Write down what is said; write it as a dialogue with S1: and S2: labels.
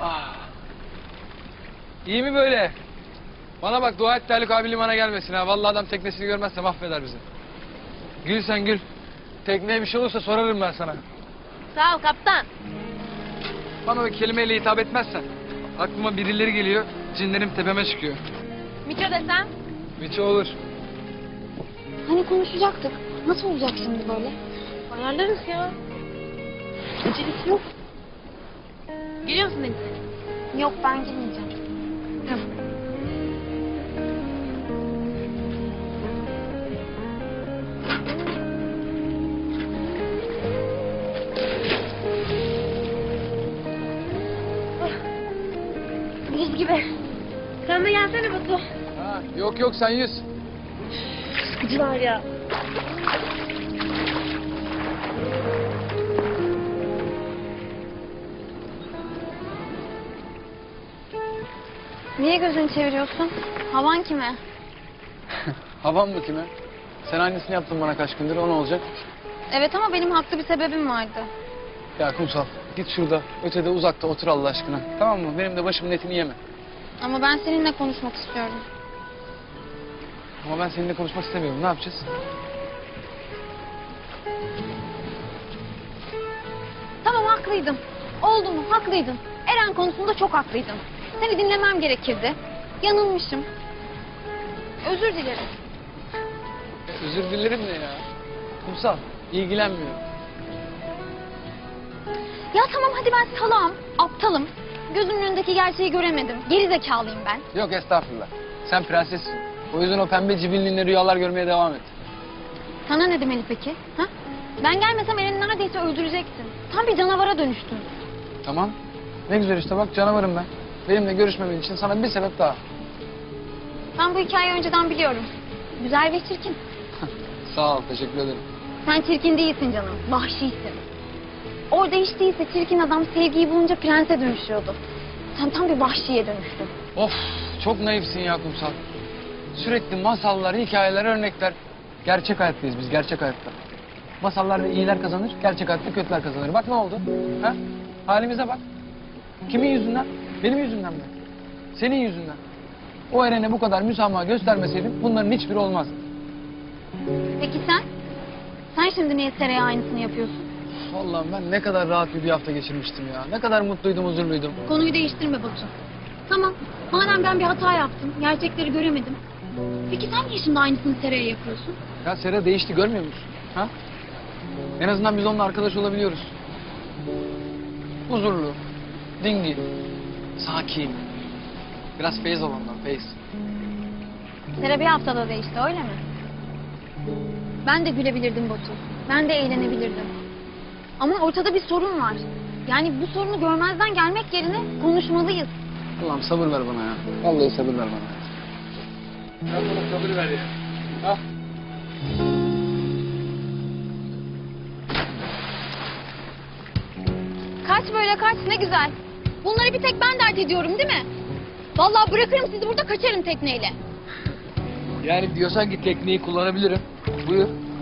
S1: Ah. İyi mi böyle? Bana bak, dua et Haluk abi limana gelmesin ha. Vallahi adam teknesini görmezse mahveder bizi. Gül sen gül. Tekneye bir şey olursa sorarım ben sana.
S2: Sağ ol kaptan.
S1: Bana o kelimeyle hitap etmezsen aklıma birileri geliyor, cinlerim tepeme çıkıyor.
S2: Miço desem?
S1: Miço olur.
S3: Hani konuşacaktık. Nasıl olacak şimdi böyle?
S2: Ayarlarız ya.
S3: Acelesi yok.
S2: Geliyor musun Deniz?
S3: Yok, ben girmeyeceğim.
S2: Tamam.
S3: Buz gibi.
S2: Sen de gelsene Batu.
S1: Ha, yok yok sen yüz.
S2: Sıkıcılar ya.
S3: Niye gözünü çeviriyorsun? Havan kime?
S1: Havan mı kime? Sen aynısını yaptın bana kaç gündür, o ne olacak?
S3: Evet ama benim haklı bir sebebim vardı.
S1: Ya Kumsal, git şurada, ötede uzakta otur Allah aşkına. Tamam mı? Benim de başımın etini yeme.
S3: Ama ben seninle konuşmak istiyorum.
S1: Ama ben seninle konuşmak istemiyorum. Ne yapacağız?
S3: Tamam, haklıydım. Oldu mu? Haklıydın. Eren konusunda çok haklıydın. Seni dinlemem gerekirdi. Yanılmışım. Özür dilerim.
S1: Özür dilerim ne ya? Kumsal, ilgilenmiyor.
S3: Ya tamam, hadi ben salağım, aptalım. Gözümün önündeki gerçeği göremedim. Geri zekalıyım ben.
S1: Yok estağfurullah. Sen prensessin. O yüzden o pembe cibilliğinle rüyalar görmeye devam et.
S3: Sana ne demeli peki? Ha? Ben gelmesem Eren'i neredeyse öldürecektin. Tam bir canavara dönüştün.
S1: Tamam. Ne güzel işte bak, canavarım ben. Benimle görüşmemen için sana bir sebep daha.
S3: Ben bu hikayeyi önceden biliyorum. Güzel ve çirkin.
S1: Sağ ol, teşekkür ederim.
S3: Sen çirkin değilsin canım, vahşisin. Orada hiç değilse çirkin adam sevgiyi bulunca prense dönüşüyordu. Sen tam bir vahşiye dönüştün.
S1: Of, çok naifsin ya Kumsal. Sürekli masallar, hikayeler, örnekler. Gerçek hayattayız biz, gerçek hayatta. Masallarda iyiler kazanır, gerçek hayatta kötüler kazanır. Bak ne oldu? Ha? Halimize bak. Kimin yüzünden? Benim yüzümden mi? Senin yüzünden. O Eren'e bu kadar müsamaha göstermeseydim bunların hiçbiri olmazdı.
S3: Peki sen? Sen şimdi niye Sera'ya aynısını yapıyorsun?
S1: Vallahi ben ne kadar rahat bir hafta geçirmiştim ya. Ne kadar mutluydum, huzurluydum.
S3: Konuyu değiştirme Batu. Tamam, madem ben bir hata yaptım, gerçekleri göremedim. Peki sen niye şimdi aynısını Sera'ya yapıyorsun?
S1: Ya Sera değişti, görmüyor musun? Ha? En azından biz onunla arkadaş olabiliyoruz. Huzurlu, dingin, sakin. Biraz feyiz ol ondan, feyiz.
S3: Sera bir haftada değişti, öyle mi? Ben de gülebilirdim Batu. Ben de eğlenebilirdim. Ama ortada bir sorun var. Yani bu sorunu görmezden gelmek yerine konuşmalıyız.
S1: Allah'ım sabır ver bana ya. Vallahi sabır ver bana. Sen bana sabır ver ya. Ha?
S3: Kaç böyle kaç, ne güzel. Bunları bir tek ben dert ediyorum değil mi? Vallahi bırakırım sizi burada, kaçarım tekneyle.
S1: Yani diyorsan ki tekniği kullanabilirim. Buyur.